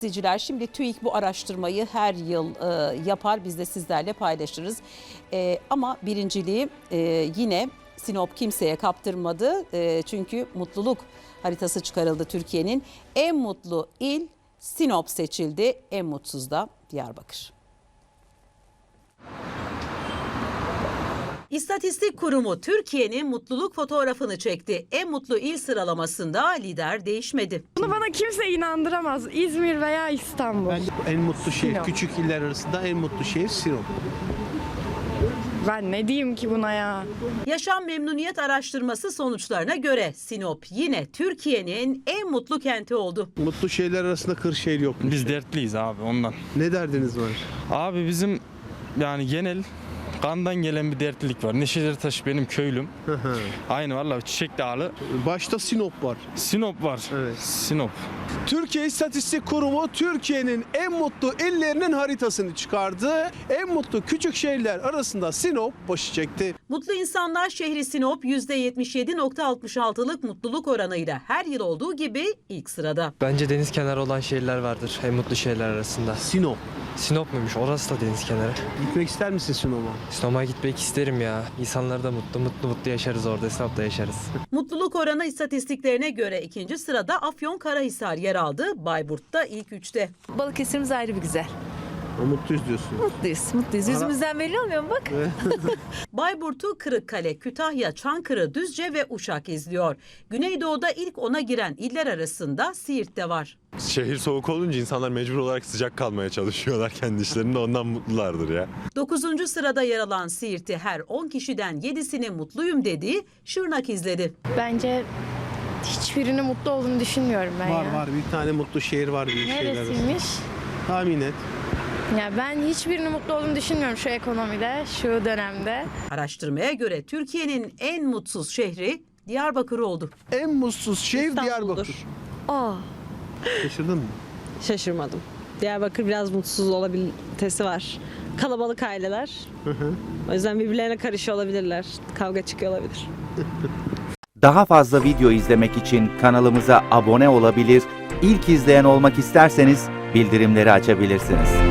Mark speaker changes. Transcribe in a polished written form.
Speaker 1: İzleyiciler, şimdi TÜİK bu araştırmayı her yıl yapar, biz de sizlerle paylaşırız. Ama birinciliği yine Sinop kimseye kaptırmadı. Çünkü mutluluk haritası çıkarıldı Türkiye'nin. En mutlu il Sinop seçildi, en mutsuz da Diyarbakır. İstatistik Kurumu Türkiye'nin mutluluk fotoğrafını çekti. En mutlu il sıralamasında lider değişmedi.
Speaker 2: Bunu bana kimse inandıramaz. İzmir veya İstanbul.
Speaker 3: Bence en mutlu şehir,
Speaker 2: Sinop.
Speaker 3: küçük iller arasında en mutlu şehir Sinop.
Speaker 2: Ben ne diyeyim ki buna ya?
Speaker 1: Yaşam memnuniyet araştırması sonuçlarına göre Sinop yine Türkiye'nin en mutlu kenti oldu.
Speaker 3: Mutlu şehirler arasında Kırşehir yokmuş.
Speaker 4: Biz dertliyiz abi ondan.
Speaker 3: Ne derdiniz var?
Speaker 4: Abi bizim yani genel kandan gelen bir dertlilik var. Neşedirtaş benim köylüm. Aynı vallahi Çiçek Dağlı.
Speaker 3: Başta Sinop var.
Speaker 4: Sinop var.
Speaker 3: Evet.
Speaker 4: Sinop.
Speaker 3: Türkiye İstatistik Kurumu Türkiye'nin en mutlu illerinin haritasını çıkardı. En mutlu küçük şehirler arasında Sinop başı çekti.
Speaker 1: Mutlu İnsanlar şehri Sinop %77.66'lık mutluluk oranıyla her yıl olduğu gibi ilk sırada.
Speaker 5: Bence deniz kenarı olan şehirler vardır en mutlu şehirler arasında.
Speaker 3: Sinop.
Speaker 5: Sinop muymuş? Orası da deniz kenarı.
Speaker 3: Gitmek ister misin Sinop'a?
Speaker 5: Sinop'a gitmek isterim ya. İnsanlar da mutlu yaşarız orada. Sinop'ta yaşarız.
Speaker 1: Mutluluk oranı istatistiklerine göre ikinci sırada Afyonkarahisar yer aldı. Bayburt da ilk üçte.
Speaker 6: Balıkesir'imiz ayrı bir güzel.
Speaker 3: Mutluyuz diyorsun.
Speaker 6: Mutluyuz. Yüzümüzden belli olmuyor mu bak?
Speaker 1: Bayburt'u Kırıkkale, Kütahya, Çankırı, Düzce ve Uşak izliyor. Güneydoğu'da ilk 10'a giren iller arasında Siirt de var.
Speaker 7: Şehir soğuk olunca insanlar mecbur olarak sıcak kalmaya çalışıyorlar kendi işlerinde, ondan mutlulardır ya.
Speaker 1: 9. sırada yer alan Siirt'i her 10 kişiden 7'sinin mutluyum dediği Şırnak izledi.
Speaker 2: Bence hiçbirinin mutlu olduğunu düşünmüyorum ben
Speaker 3: Var
Speaker 2: ya.
Speaker 3: var, bir tane mutlu şehir var büyük şehirler arasında.
Speaker 2: Neresiymiş?
Speaker 3: Tahmin et.
Speaker 2: Ya ben hiçbirinin mutlu olduğunu düşünmüyorum şu ekonomide, şu dönemde.
Speaker 1: Araştırmaya göre Türkiye'nin en mutsuz şehri Diyarbakır oldu.
Speaker 3: En mutsuz şehir
Speaker 8: İstanbul'dur.
Speaker 3: Diyarbakır.
Speaker 8: Aa,
Speaker 3: Şaşırdın mı?
Speaker 8: şaşırmadım. Diyarbakır biraz mutsuz olabilitesi var. Kalabalık aileler. O yüzden birbirlerine karışıyor olabilirler. Kavga çıkıyor olabilir.
Speaker 9: Daha fazla video izlemek için kanalımıza abone olabilir, ilk izleyen olmak isterseniz bildirimleri açabilirsiniz.